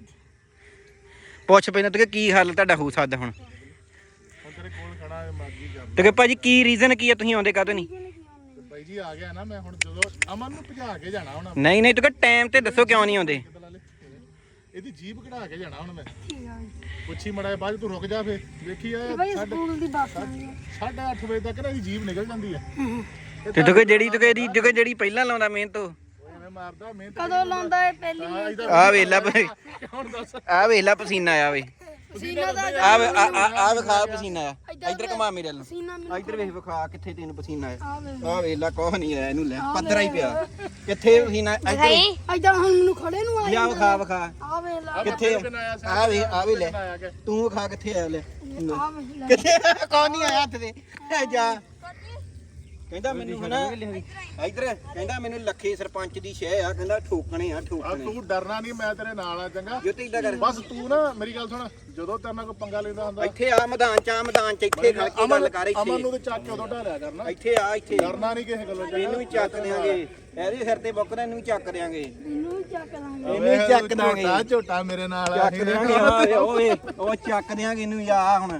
Speaker 1: ਪੁੱਛ ਪੈਣਾ ਤੂੰ ਕਿ ਕੀ ਹੱਲ ਤੁਹਾਡਾ ਹੋ ਸਕਦਾ ਹੁਣ
Speaker 2: ਤੇਰੇ ਕੋਲ ਖੜਾ ਮਰਜੀ ਕਰ
Speaker 1: ਤੂੰ ਕਿ ਭਾਜੀ ਕੀ ਰੀਜ਼ਨ ਕੀ ਹੈ ਤੁਸੀਂ ਆਉਂਦੇ ਕਾਹਤੋਂ ਨਹੀਂ
Speaker 2: ਬਾਈ ਜੀ ਆ ਗਿਆ ਨਾ ਮੈਂ ਹੁਣ ਜਦੋਂ ਅਮਨ ਨੂੰ ਭਜਾ ਕੇ ਜਾਣਾ ਹੁਣ
Speaker 1: ਨਹੀਂ ਨਹੀਂ ਤੂੰ ਕਿ ਟਾਈਮ ਤੇ ਦੱਸੋ ਕਿਉਂ ਨਹੀਂ ਆਉਂਦੇ
Speaker 2: ਇਹਦੀ ਜੀਬ ਕਢਾ ਕੇ ਜਾਣਾ ਹੁਣ ਮੈਂ
Speaker 3: ਠੀਕ ਆ
Speaker 2: ਪੁੱਛੀ ਮੜਾ ਬਾਅਦ ਤੂੰ ਰੁਕ ਜਾ ਫੇ ਵੇਖੀ ਆ
Speaker 3: ਬਈ ਸਕੂਲ ਦੀ ਬੱਸ ਆਉਂਦੀ ਆ
Speaker 2: 8:30 ਵਜੇ ਤੱਕ ਨਾ ਇਹਦੀ ਜੀਬ ਨਿਕਲ ਜਾਂਦੀ ਹੈ
Speaker 1: ਤੇ ਤੂੰ ਕਿ ਜਿਹੜੀ ਪਹਿਲਾਂ ਲਾਉਂਦਾ ਮਿਹਨਤ ਉਹ
Speaker 2: ਐਵੇਂ ਮਾਰਦਾ ਮਿਹਨਤ
Speaker 3: ਕਦੋਂ ਲਾਉਂਦਾ ਇਹ ਪਹਿਲੀ
Speaker 1: ਆ ਵੇਲਾ
Speaker 2: ਹੁਣ ਦੱਸ
Speaker 1: ਆ ਵੇਲਾ ਪਸੀਨਾ ਆਇਆ ਵੇ
Speaker 3: ਪਸੀਨਾ ਦਾ
Speaker 1: ਆ ਵਿਖਾ ਪਸੀਨਾ ਆ ਇੱਧਰ ਘੁਮਾ ਮੇਰੇ ਵੱਲ
Speaker 3: ਪਸੀਨਾ
Speaker 1: ਨੂੰ ਇੱਧਰ ਵੇਖ ਵਿਖਾ ਕਿੱਥੇ ਤੈਨੂੰ ਪਸੀਨਾ ਆਇਆ
Speaker 3: ਆ ਵੇ
Speaker 1: ਆ ਵੇਲਾ ਕੋਹ ਨਹੀਂ ਆਇਆ ਇਹਨੂੰ ਲੈ ਪੱਧਰਾ ਹੀ ਪਿਆ ਕਿੱਥੇ ਪਸੀਨਾ ਇੱਧਰ
Speaker 3: ਐਦਾਂ ਹੁਣ ਮੈਨੂੰ ਖੜੇ ਨੂੰ
Speaker 1: ਲਿਆ ਵਿਖਾ
Speaker 3: ਆ ਵੇ ਲਾ
Speaker 1: ਕਿੱਥੇ ਆ ਵੇ ਲੈ ਤੂੰ ਵਿਖਾ ਕਿੱਥੇ ਆਇਆ ਲੈ
Speaker 3: ਆ ਵੇ ਲੈ
Speaker 1: ਕਿੱਥੇ ਕੌਣ ਨਹੀਂ ਆਇਆ ਹੱਥ ਤੇ ਜਾ ਕਹਿੰਦਾ ਮੈਨੂੰ ਹਨਾ ਇੱਧਰ ਕਹਿੰਦਾ ਮੈਨੂੰ ਲੱਖੇ ਸਰਪੰਚ ਦੀ ਸ਼ਹਿ ਆ ਕਹਿੰਦਾ ਠੋਕਣੇ ਆ
Speaker 2: ਆ
Speaker 1: ਠੋਕਣੇ
Speaker 2: ਤੂੰ ਡਰਨਾ ਨਹੀਂ ਮੈਂ ਤੇਰੇ ਨਾਲ ਆ ਚੰਗਾ
Speaker 1: ਜੋ ਤੇ ਇਦਾਂ ਕਰ
Speaker 2: ਬਸ ਤੂੰ ਨਾ ਮੇਰੀ ਗੱਲ ਸੁਣ ਜਦੋਂ ਤੇਰੇ ਨਾਲ ਕੋਈ ਪੰਗਾ ਲੈਂਦਾ ਹੁੰਦਾ
Speaker 1: ਇੱਥੇ ਆ ਮੈਦਾਨ ਚ ਇੱਥੇ ਖੜ ਕੇ ਗੱਲ ਕਰ
Speaker 2: ਅਮਨ ਨੂੰ
Speaker 1: ਇੱਥੇ
Speaker 2: ਤੇ ਚੱਕ ਕੇ ਉਦੋਂ ਢਾਲਿਆ ਕਰਨਾ
Speaker 1: ਇੱਥੇ ਆ ਇੱਥੇ
Speaker 2: ਡਰਨਾ ਨਹੀਂ ਕਿਸੇ ਗੱਲੋਂ
Speaker 1: ਇਹਨੂੰ ਵੀ ਚੱਕ ਦਿਆਂਗੇ ਇਹਦੇ ਸਿਰ ਤੇ ਬੁੱਕਦਾ ਇਹਨੂੰ ਵੀ ਚੱਕ ਦਿਆਂਗੇ
Speaker 3: ਮੈਨੂੰ ਵੀ ਚੱਕ ਲਾਂਗੇ
Speaker 1: ਇਹਨੂੰ ਵੀ ਚੱਕ ਦਾਂਗੇ
Speaker 2: ਝੋਟਾ ਝੋਟਾ ਮੇਰੇ ਨਾਲ ਆ
Speaker 1: ਚੱਕ ਦਿਆਂਗੇ ਉਹ ਚੱਕ ਦਿਆਂਗੇ ਇਹਨੂੰ ਆ ਹੁਣ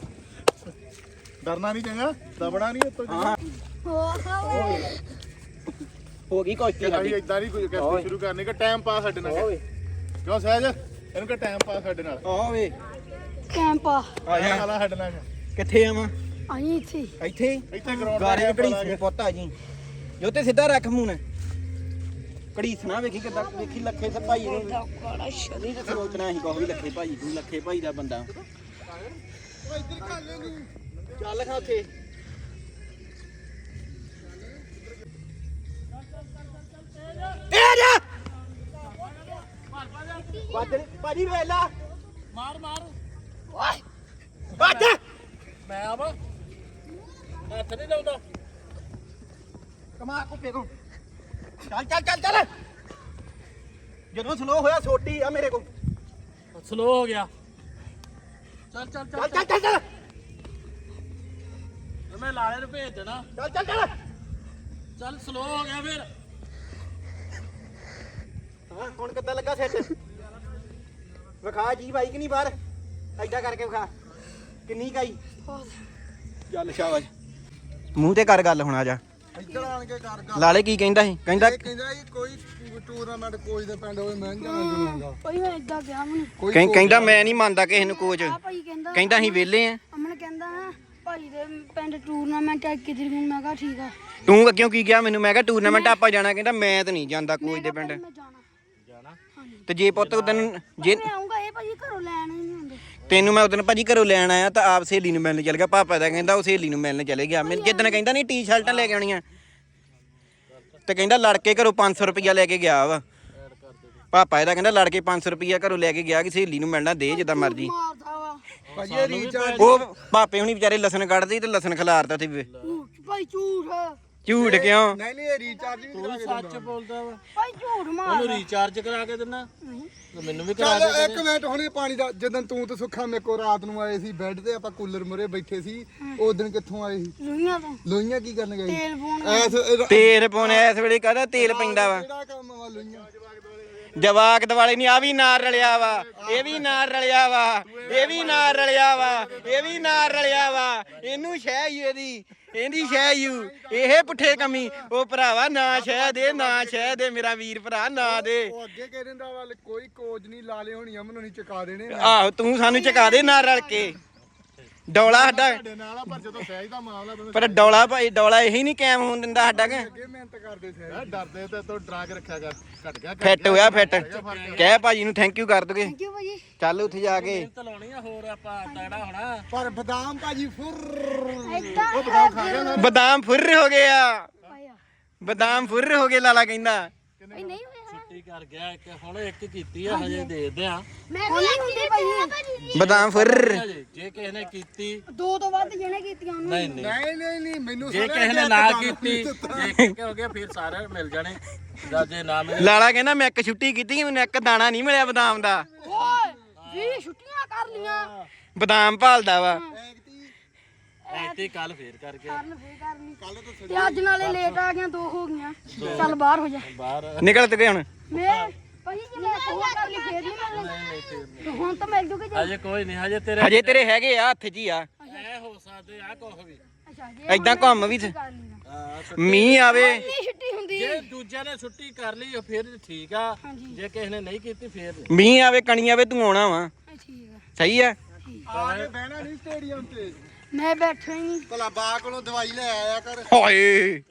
Speaker 2: ਡਰਨਾ ਨਹੀਂ ਚੰਗਾ ਦਬਣਾ ਨਹੀਂ ਉੱਤੋਂ
Speaker 1: ਹਾਂ ਹੋ ਗਈ ਕੁਸ਼ਤੀ
Speaker 2: ਅਸੀਂ
Speaker 1: ਸਾਡੀ
Speaker 2: ਇਦਾਂ ਨਹੀਂ ਕੋਈ ਕੈਸਟੀ ਸ਼ੁਰੂ ਕਰਨੀ ਕਿ ਟਾਈਮ ਪਾਸ ਸਾਡੇ ਨਾਲ
Speaker 1: ਓਏ
Speaker 2: ਕਿਉਂ ਸਹਿਜ ਇਹਨੂੰ ਕਿ ਟਾਈਮ ਪਾਸ ਸਾਡੇ ਨਾਲ
Speaker 1: ਓਏ
Speaker 3: ਕੈਂਪ ਆ
Speaker 1: ਆ ਜਾ
Speaker 2: ਆਲਾ ਸਾਡੇ ਨਾਲ
Speaker 1: ਕਿੱਥੇ ਆਵਾਂ
Speaker 3: ਆਈ ਇੱਥੇ
Speaker 1: ਇੱਥੇ
Speaker 2: ਇੱਥੇ ਗਰਾਊਂਡ
Speaker 1: ਗਾਰੇ ਘੜੀਸਣੇ ਪੁੱਤ ਆ ਜੀ ਜੋ ਤੇ ਸਿੱਧਾ ਰੱਖ ਮੂੰਹ ਨੇ ਘੜੀਸਣਾ ਵੇਖੀ ਕਿੱਦਾਂ ਵੇਖੀ ਲੱਖੇ ਸੇ ਭਾਈ ਨੂੰ ਨਹੀਂ ਤੇ ਸੋਚਣਾ ਸੀ ਕੋਈ ਲੱਖੇ ਭਾਈ ਤੂੰ ਲੱਖੇ ਭਾਈ ਦਾ ਬੰਦਾ ਚੱਲ ਖਾ ਉੱਥੇ ਇਹ ਜਾ ਭਾਜੀ ਵੇਲਾ
Speaker 4: ਮਾਰ
Speaker 1: ਓਏ ਬੱਜ
Speaker 4: ਮੈਂ ਆਵਾਂ ਹੱਥ ਨਹੀਂ ਲਾਉਂਦਾ
Speaker 1: ਕਮਾ ਕੁੱਪੇ ਕੋ ਚੱਲ ਜਦੋਂ ਸਲੋ ਹੋਇਆ ਛੋਟੀ ਆ ਮੇਰੇ ਕੋ
Speaker 4: ਸਲੋ ਹੋ ਗਿਆ ਚੱਲ ਮੈਂ ਲਾਲੇ ਨੂੰ ਭੇਜ ਦੇਣਾ ਚੱਲ ਸਲੋ ਹੋ ਗਿਆ ਫਿਰ
Speaker 1: ਹਾਂ ਹੁਣ ਕਿੱਦਾਂ ਲੱਗਾ ਸੈੱਟ ਵਿਖਾ ਜੀ ਬਾਈਕ ਨਹੀਂ ਬਾਹਰ ਐਡਾ ਕਰਕੇ ਵਿਖਾ ਕਿੰਨੀ ਕਾਈ ਚੱਲ ਸ਼ਾਬਾਸ਼ ਮੂੰਹ ਤੇ ਕਰ ਗੱਲ ਹੁਣ ਆ ਜਾ
Speaker 2: ਇੱਧਰ ਆਣ ਕੇ ਕਰ ਗੱਲ
Speaker 1: ਲਾਲੇ ਕੀ ਕਹਿੰਦਾ ਸੀ ਕਹਿੰਦਾ
Speaker 2: ਕਹਿੰਦਾ ਜੀ ਕੋਈ ਟੂਰਨਾਮੈਂਟ ਕੋਚ ਦੇ ਪਿੰਡ ਹੋਵੇ ਮੈਂ ਨਹੀਂ ਜਾਣਾ
Speaker 3: ਭਾਈ ਮੈਂ ਇਦਾਂ ਗਿਆ ਮੈਨੂੰ
Speaker 1: ਕਹਿੰਦਾ ਮੈਂ ਨਹੀਂ ਮੰਨਦਾ ਕਿਸੇ ਨੂੰ ਕੋਚ
Speaker 3: ਆ ਭਾਈ ਕਹਿੰਦਾ
Speaker 1: ਕਹਿੰਦਾ ਅਸੀਂ ਵਿਹਲੇ ਆ
Speaker 3: ਅਮਨ ਕਹਿੰਦਾ ਨਾ ਭਾਈ ਦੇ ਪਿੰਡ ਟੂਰਨਾਮੈਂਟ ਆ ਕਿਤੇ ਨੂੰ ਮੈਂ ਕਿਹਾ ਠੀਕ ਆ
Speaker 1: ਤੂੰ ਕਿਉਂ ਕੀ ਕਿਹਾ ਮੈਨੂੰ ਮੈਂ ਕਿਹਾ ਟੂਰਨਾਮੈਂਟ ਆਪਾਂ ਜਾਣਾ ਕਹਿੰਦਾ ਮੈਂ ਤਾਂ ਨਹੀਂ ਜਾਂਦਾ ਕੋਚ ਦੇ ਪਿੰਡ
Speaker 3: ਮੈਂ ਜਾਣਾ ਹਾਂਜੀ
Speaker 1: ਤੇ ਜੇ ਪੁੱਤ ਤੈਨੂੰ ਜੇ
Speaker 3: ਮੈਂ ਆਉਂਗਾ ਇਹ ਭਾਈ ਘਰੋਂ ਲੈਣ ਹੀ ਨਹੀਂ ਹੁੰਦੇ
Speaker 1: ਤੈਨੂੰ ਮੈਂ ਉਦੋਂ ਭਾਜੀ ਘਰੋਂ ਲੈਣ ਆਇਆ ਤਾਂ ਆਪ ਸਹੇਲੀ ਨੂੰ ਮਿਲਣ ਚੱਲ ਗਿਆ ਪਾਪਾ ਦਾ ਕਹਿੰਦਾ ਉਹ ਸਹੇਲੀ ਨੂੰ ਮਿਲਣ ਚਲੇ ਗਿਆ ਮੈਨੂੰ ਜਿੱਦਣ ਕਹਿੰਦਾ ਨਹੀਂ ਟੀ-ਸ਼ਰਟਾਂ ਲੈ ਕੇ ਆਉਣੀਆਂ ਤੇ ਕਹਿੰਦਾ ਲੜ ਕੇ ਘਰੋਂ 500 ਰੁਪਇਆ ਲੈ ਕੇ ਗਿਆ ਵਾ ਪਾਪਾ ਇਹਦਾ ਕਹਿੰਦਾ ਲੜ ਕੇ 500 ਰੁਪਇਆ ਘਰੋਂ ਲੈ ਕੇ ਗਿਆ ਕਿ ਸਹੇਲੀ ਨੂੰ ਮਿਲਣਾ ਦੇ ਜਿੱਦਾਂ ਮਰਜੀ
Speaker 3: ਮਾਰਦਾ ਵਾ
Speaker 2: ਭਾਜੀ ਇਹ ਰੀਚਾਰਜ
Speaker 1: ਉਹ ਪਾਪੇ ਹੁਣੀ ਵਿਚਾਰੇ ਲਸਣ ਕੱਢਦੇ ਤੇ ਲਸਣ ਖਿਲਾਰਦਾ ਤੇ
Speaker 3: ਭਾਈ ਝੂਠ
Speaker 1: ਝੂਠ ਕਿਉਂ
Speaker 2: ਨਹੀਂ ਇਹ ਰੀਚਾਰਜ ਵੀ ਕਰਾ ਕੇ
Speaker 4: ਸੱਚ ਬੋਲਦਾ ਵਾ
Speaker 3: ਭਾਈ ਝੂਠ
Speaker 4: ਉਹਨੂੰ
Speaker 3: ਮਾਰਦਾ
Speaker 4: ਰੀਚਾਰਜ ਕਰਾ ਕੇ ਦਿੰਨਾ ਤੇ ਮੈਨੂੰ ਵੀ ਕਰਾ
Speaker 2: ਚੱਲ
Speaker 4: ਦੇ
Speaker 2: ਇੱਕ ਮਿੰਟ ਹੁਣੇ ਪਾਣੀ ਦਾ ਜਦੋਂ ਤੂੰ ਤੇ ਸੁੱਖਾ ਮੇਰੇ ਕੋਲ ਰਾਤ ਨੂੰ ਆਏ ਸੀ ਬੈੱਡ ਤੇ ਆਪਾਂ ਕੂਲਰ ਮੁਰੇ ਬੈਠੇ ਸੀ ਉਸ ਦਿਨ ਕਿੱਥੋਂ ਆਏ ਸੀ
Speaker 3: ਲੁਈਆਂ ਤੋਂ
Speaker 2: ਲੋਈਆਂ ਕੀ ਕਰਨ ਗਏ
Speaker 3: ਤੇਲ ਪਾਉਣ
Speaker 2: ਐਸ
Speaker 1: ਤੇਲ ਪਾਉਣੇ ਇਸ ਵੇਲੇ ਕਾਹਦਾ ਤੇਲ ਪੈਂਦਾ ਵਾ
Speaker 2: ਕਿਹੜਾ ਕੰਮ ਵਾ ਲੋਈਆਂ
Speaker 1: ਜਵਾਕ ਦਿਵਾਲੇ ਨਹੀਂ ਆ ਵੀ ਨਾਲ ਰਲਿਆ ਵਾ ਇਹ ਵੀ ਨਾਲ ਰਲਿਆ ਵਾ ਇਹ ਵੀ ਨਾਲ ਰਲਿਆ ਵਾ ਇਹ ਵੀ ਨਾਲ ਰਲਿਆ ਵਾ ਇਹਨੂੰ ਸ਼ਹਿ ਹੀ ਇਹਦੀ ਸ਼ਹਿ ਯੂ ਇਹ ਪੁੱਠੇ ਕਮੀ ਉਹ ਭਰਾਵਾ ਨਾ ਸ਼ਹਿ ਦੇ ਮੇਰਾ ਵੀਰ ਭਰਾ ਨਾ ਦੇ
Speaker 2: ਉਹ ਅੱਗੇ ਕਹਿ ਦਿੰਦਾ ਵਾ ਕੋਈ ਕੋਚ ਨਹੀਂ ਲਾ ਲੇ ਹੋਣੀ ਅਮਨ ਨਹੀਂ ਚੁਕਾ ਦੇਣੇ
Speaker 1: ਆਹੋ ਤੂੰ ਸਾਨੂੰ ਚਕਾ ਦੇ ਨਾਲ ਰਲ ਕੇ ਡੌਲਾ ਸਾਡਾ
Speaker 2: ਸਾਡੇ ਨਾਲ ਆ ਪਰ ਜਦੋਂ ਸਹਿਜ ਦਾ ਮਾਮਲਾ ਬੰਦੇ
Speaker 1: ਪਰ ਡੌਲਾ ਭਾਈ ਡੌਲਾ ਇਹੀ ਨਹੀਂ ਕਾਇਮ ਹੋਣ ਦਿੰਦਾ ਸਾਡਾ ਕਿ
Speaker 2: ਅੱਗੇ ਮਿਹਨਤ ਕਰਦੇ ਸਹਿਜ ਡਰਦੇ ਤੇ ਤੂੰ ਡਰਾ ਕੇ ਰੱਖਿਆ ਕਰ ਘਟ ਗਿਆ
Speaker 1: ਫਿੱਟ ਹੋਇਆ ਫਿੱਟ ਕਹਿ ਭਾਜੀ ਨੂੰ ਥੈਂਕ ਯੂ ਕਰ ਦੋਗੇ
Speaker 3: ਥੈਂਕ ਯੂ ਭਾਈ
Speaker 1: ਚੱਲ ਉੱਥੇ ਜਾ ਕੇ
Speaker 4: ਮਿਹਨਤ ਲਾਉਣੀ ਆ ਹੋਰ ਆਪਾਂ ਤਗੜਾ ਹੋਣਾ
Speaker 2: ਪਰ ਬਦਾਮ ਭਾਜੀ ਫੁਰ
Speaker 3: ਏਦਾਂ
Speaker 2: ਉਹ ਬਦਾਮ ਖਾ ਗਿਆ ਨਾ
Speaker 1: ਬਦਾਮ ਫੁਰ ਹੋ ਗਿਆ
Speaker 3: ਭਾਈ
Speaker 1: ਬਦਾਮ ਫੁਰ ਹੋ ਗਏ ਲਾਲਾ ਕਹਿੰਦਾ
Speaker 3: ਨਹੀਂ ਹੋਇਆ
Speaker 4: ਛੁੱਟੀ ਕਰ ਗਿਆ ਇੱਕ ਹੁਣ ਇੱਕ ਕੀਤੀ ਆ ਹਜੇ ਦੇਖਦੇ ਆ
Speaker 3: ਮੈਂ ਵੀ ਹੁੰਦੀ ਭਾਈ
Speaker 1: ਬਦਾਮ ਫੁਰ
Speaker 4: ਹਜੇ ਜੇ ਕਿਸੇ ਨੇ ਕੀਤੀ
Speaker 3: ਦੋ ਤੋਂ ਵੱਧ ਜਿਹਨੇ ਕੀਤੀਆਂ ਉਹਨੂੰ
Speaker 4: ਨਹੀਂ
Speaker 2: ਮੈਨੂੰ
Speaker 4: ਜੇ ਕਿਸੇ ਨੇ ਨਾ ਕੀਤੀ ਜੇ ਕਿ ਹੋ ਗਿਆ ਫਿਰ ਸਾਰੇ ਮਿਲ ਜਾਣੇ ਜਾਂ ਜੇ ਨਾ ਮਿਲੇ
Speaker 1: ਲਾਲਾ ਕਹਿੰਦਾ ਮੈਂ ਇੱਕ ਛੁੱਟੀ ਕੀਤੀ ਮੈਨੂੰ ਇੱਕ ਦਾਣਾ ਨਹੀਂ ਮਿਲਿਆ ਬਦਾਮ ਦਾ
Speaker 3: ਓਏ 20 ਛੁੱਟੀਆਂ ਕਰ ਲੀਆਂ
Speaker 1: ਬਦਾਮ ਭਾਲਦਾ ਵਾ
Speaker 4: ਐਤੀ ਕੱਲ ਫੇਰ ਕਰਕੇ
Speaker 3: ਕਰਨ ਫੇਰ ਕਰਨੀ ਤੇ ਅੱਜ ਨਾਲੇ ਲੇਟ ਆ ਗਿਆ 2 ਹੋ ਗਈਆਂ ਚੱਲ ਬਾਹਰ ਹੋ ਜਾ
Speaker 4: ਬਾਹਰ
Speaker 1: ਨਿਕਲ ਤੇ ਗਏ ਹੁਣ
Speaker 3: ਮੈਂ ਭਾਈ ਜੇ ਮੈਂ ਹੋਰ ਕਰ ਲਈ ਫੇਰ ਨਹੀਂ ਮਿਲਣੀ ਤੇ ਹੁਣ ਤਾਂ ਮਿਲ ਜੂਗੇ ਜੇ
Speaker 4: ਹਜੇ ਕੋਈ ਨਹੀਂ ਹਜੇ
Speaker 1: ਤੇਰੇ ਹੈਗੇ ਆ ਹੱਥ 'ਚ ਹੀ ਆ
Speaker 4: ਐ ਹੋ ਸਕਦੇ ਆ ਕੁਛ ਵੀ
Speaker 3: ਅੱਛਾ ਜੇ
Speaker 1: ਏਦਾਂ ਘੁੰਮ ਵੀ ਤੇ-
Speaker 3: ਕਰ ਲੀਆਂ
Speaker 1: ਮੀਂਹ ਆਵੇ
Speaker 3: ਨਹੀਂ ਛੁੱਟੀ ਹੁੰਦੀ
Speaker 4: ਜੇ ਦੂਜਿਆਂ ਨੇ ਛੁੱਟੀ ਕਰ ਲਈ ਫਿਰ ਠੀਕ ਆ
Speaker 3: ਹਾਂਜੀ।
Speaker 4: ਜੇ ਕਿਸੇ ਨੇ ਨਹੀਂ ਕੀਤੀ ਫਿਰ ਨਹੀਂ
Speaker 1: ਮੀਂਹ ਆਵੇ ਕਣੀ ਆਵੇ ਤੂੰ ਆਉਣਾ ਵਾ
Speaker 3: ਠੀਕ ਆ
Speaker 1: ਸਹੀ ਆ
Speaker 2: ਆ ਕੇ ਬਹਿਣਾ ਨਹੀਂ ਸਟੇਡੀਅਮ ਤੇ
Speaker 3: ਮੈਂ ਬੈਠਾ ਹੀ ਨਹੀਂ
Speaker 2: ਭਲਾ ਬਾ ਕੋਲੋਂ ਦਵਾਈ ਲੈ ਆਇਆ ਕਰ
Speaker 1: ਹਾਏ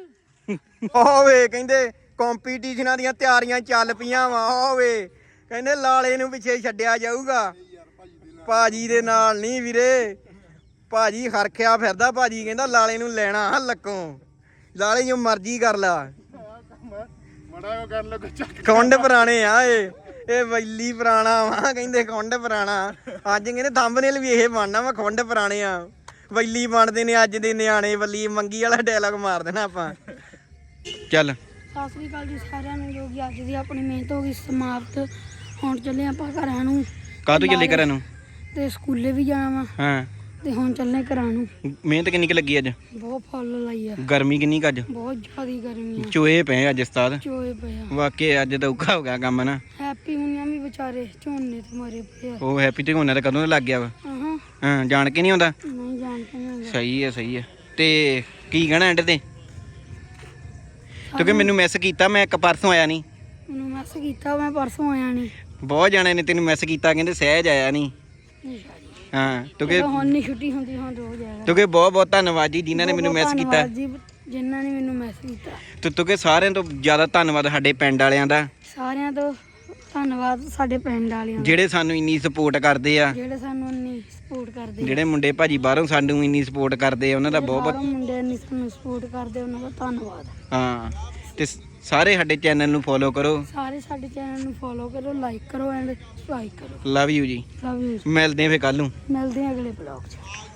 Speaker 1: ਓਏ ਕਹਿੰਦੇ ਕੰਪੀਟੀਸ਼ਨਾਂ ਦੀਆਂ ਤਿਆਰੀਆਂ ਚੱਲ ਪਈਆਂ ਵਾ ਓਏ ਕਹਿੰਦੇ ਲਾਲੇ ਨੂੰ ਪਿੱਛੇ ਛੱਡਿਆ ਜਾਊਗਾ ਭਾਜੀ ਦੇ ਨਾਲ ਨਹੀਂ ਵੀਰੇ ਭਾਜੀ ਹਰਖਿਆ ਫਿਰਦਾ ਭਾਜੀ ਕਹਿੰਦਾ ਲਾਲੇ ਨੂੰ ਲੈਣਾ ਲੱਕੋਂ ਲਾਲੇ ਜੋ ਮਰਜ਼ੀ ਕਰ ਲਾ
Speaker 2: ਮੜਾ ਕਰ ਲੋ ਚੱਕ
Speaker 1: ਕੁੰਡ ਪੁਰਾਣੇ ਆ ਇਹ ਵੈਲੀ ਪੁਰਾਣਾ ਵਾ ਕਹਿੰਦੇ ਕੁੰਡ ਪੁਰਾਣਾ ਅੱਜ ਕਹਿੰਦੇ ਥੰਬਨੇਲ ਵੀ ਇਹ ਬਣਨਾ ਵਾ ਕੁੰਡ ਪੁਰਾਣੇ ਆ ਵੈਲੀ ਬਣਦੇ ਨੇ ਅੱਜ ਦੇ ਨਿਆਣੇ ਵੱਲੀ ਮੰਗੀ ਵਾਲਾ ਡਾਇਲੌਗ ਮਾਰ ਦੇਣਾ ਆਪਾਂ ਚੱਲ
Speaker 3: ਸਤਿ ਸ੍ਰੀ ਅਕਾਲ ਜੀ ਸਾਰਿਆਂ ਨੂੰ ਜੋ ਕਿ ਅੱਜ ਦੀ ਆਪਣੀ ਮਿਹਨਤ ਹੋ ਗਈ ਸਮਾਪਤ ਹੁਣ ਚੱਲੇ ਆਪਾਂ ਘਰਾਂ ਨੂੰ
Speaker 1: ਕਾਹਤੋਂ ਚੱਲੇ ਘਰਾਂ ਨੂੰ
Speaker 3: ਤੇ ਸਕੂਲੇ ਵੀ ਜਾਣਾ ਵਾ
Speaker 1: ਹਾਂ
Speaker 3: ਤੇ ਹੁਣ ਚੱਲੇ ਘਰਾਂ ਨੂੰ
Speaker 1: ਮਿਹਨਤ ਕਿੰਨੀ ਕੁ ਲੱਗੀ ਅੱਜ
Speaker 3: ਬਹੁਤ ਫੁੱਲ ਲਾਈ ਆ
Speaker 1: ਗਰਮੀ ਕਿੰਨੀ ਕੁ ਅੱਜ
Speaker 3: ਬਹੁਤ ਜ਼ਿਆਦੀ ਗਰਮੀ ਆ
Speaker 1: ਚੋਏ ਪਏ ਅੱਜ ਉਸਤਾਦ
Speaker 3: ਚੋਏ ਪਿਆ
Speaker 1: ਵਾਕਈ ਅੱਜ ਤਾਂ ਔਖਾ ਹੋ ਗਿਆ ਕੰਮ ਨਾ
Speaker 3: ਹੈਪੀ ਹੁਣੀਆਂ ਵੀ ਵਿਚਾਰੇ ਝੋਨੇ ਤੇ ਮਰੇ ਪਏ ਆ
Speaker 1: ਉਹ ਹੈਪੀ ਤੇ ਹੋਣਾ ਤਾਂ ਕਦੋਂ ਦਾ ਲੱਗ ਗਿਆ ਵਾ
Speaker 3: ਹਾਂ
Speaker 1: ਹਾਂ ਜਾਣ ਕੇ ਨਹੀਂ ਆਉਂਦਾ
Speaker 3: ਨਹੀਂ ਜਾਣਦੇ ਨਹੀਂ
Speaker 1: ਸਹੀ ਹੈ ਤੇ ਕੀ ਕਹਿਣਾ ਐਂਡ ਤੇ ਕਿਉਂਕਿ ਮੈਨੂੰ ਮੈਸ ਕੀਤਾ ਮੈਂ ਇੱਕ ਪਰਸੋਂ ਆਇਆ ਨਹੀਂ
Speaker 3: ਮੈਨੂੰ ਮੈਸੇਜ ਕੀਤਾ ਮੈਂ ਪਰਸੋਂ ਆਇਆ ਨਹੀਂ
Speaker 1: ਬਹੁਤ ਜਾਣੇ ਨੇ ਤੈਨੂੰ ਮੈਸ ਕੀਤਾ ਕਹਿੰਦੇ ਸਹਿਜ ਆਇਆ ਨਹੀਂ ਹਾਂ ਕਿਉਂਕਿ
Speaker 3: ਹੁਣ ਨਹੀਂ ਛੁੱਟੀ ਹੁੰਦੀ ਹੁਣ ਰੋਜ਼ ਆਏਗਾ
Speaker 1: ਕਿਉਂਕਿ ਬਹੁਤ ਬਹੁਤ ਧੰਨਵਾਦ ਜੀ ਜਿਨ੍ਹਾਂ ਨੇ ਮੈਨੂੰ ਮੈਸ ਕੀਤਾ
Speaker 3: ਧੰਨਵਾਦ ਜੀ ਜਿਨ੍ਹਾਂ ਨੇ ਮੈਨੂੰ ਮੈਸੇਜ ਕੀਤਾ
Speaker 1: ਤੇ ਕਿਉਂਕਿ ਸਾਰਿਆਂ ਤੋਂ ਜ਼ਿਆਦਾ ਧੰਨਵਾਦ ਸਾਡੇ ਪਿੰਡ ਵਾਲਿਆਂ ਦਾ
Speaker 3: ਸਾਰਿਆਂ ਤੋਂ ਧੰਨਵਾਦ ਸਾਡੇ ਪਿੰਡ ਵਾਲਿਆਂ ਦਾ
Speaker 1: ਜਿਹੜੇ ਸਾਨੂੰ ਇੰਨੀ ਸਪੋਰਟ ਕਰਦੇ ਆ
Speaker 3: ਜਿਹੜੇ ਸਾਨੂੰ ਇੰਨੀ ਸਪੋਰਟ ਕਰਦੇ
Speaker 1: ਜਿਹੜੇ ਮੁੰਡੇ ਭਾਜੀ ਬਾਹਰੋਂ ਸਾਨੂੰ ਇੰਨੀ ਸਪੋਰਟ ਕਰਦੇ ਆ ਉਹਨਾਂ ਦਾ ਬਹੁਤ
Speaker 3: ਬਾਹਰੋਂ ਮੁੰਡੇ ਇੰਨੀ ਸਾਨੂੰ ਸਪੋਰਟ ਕਰਦੇ ਉਹਨਾਂ ਦਾ ਧੰਨਵਾਦ
Speaker 1: ਹਾਂ ਤੇ ਸਾਰੇ ਸਾਡੇ ਚੈਨਲ ਨੂੰ ਫੋਲੋ ਕਰੋ
Speaker 3: ਸਾਰੇ ਸਾਡੇ ਚੈਨਲ ਨੂੰ ਫੋਲੋ ਕਰੋ ਲਾਈਕ ਕਰੋ ਐਂਡ ਸਬਸਕ੍ਰਾਈਬ ਕਰੋ
Speaker 1: ਲਵ ਯੂ ਜੀ
Speaker 3: ਲਵ ਯੂ
Speaker 1: ਮਿਲਦੇ ਆ ਫੇ ਕੱਲ ਨੂੰ
Speaker 3: ਮਿਲਦੇ ਹਾਂ ਅਗਲੇ ਬਲੌਗ 'ਚ